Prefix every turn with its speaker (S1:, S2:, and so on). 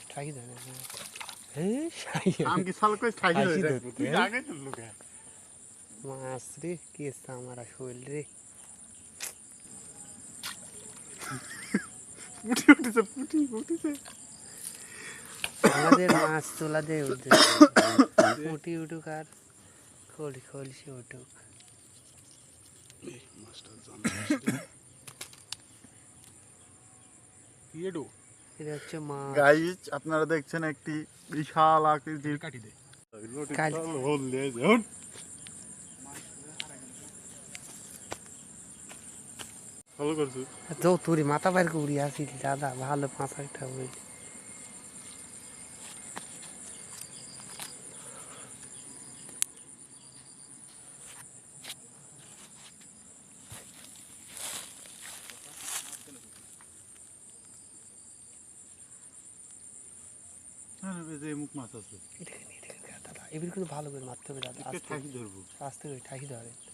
S1: ঠাকি ধরে হ্যাঁ
S2: আমি কি সাল কই ঠাকি
S1: ঠাকি
S2: ধরে
S1: ধরতে,
S2: তুই
S1: হ্যাঁ?
S2: আগে তো লোকে
S1: মাছ রে কি আমার শৈল রে
S2: পুটি উঠেছে পুটি উঠেছে
S1: আমাদের মাছ তোলা দিয়ে উঠছে পুঁটি উঠুক আর খলসি উঠুক
S2: মাছটা জানো
S1: এটা হচ্ছে মাছ
S2: গাইস আপনারা দেখছেন একটি বিশাল আকৃতির
S3: কাটি দে
S2: হোল দিয়ে হুট ভালো করছো
S1: তো তুই মাথা বাইর করে উড়ি আসিস দাদা ভালো পাঁচ একটা হয়ে
S2: যে মুখ মাছ আছে
S1: দাদা এবার কিন্তু ভালো করে মারতে হবে দাদা
S2: ঠাকি ধরবো
S1: আস্তে করে ঠাকি ধরে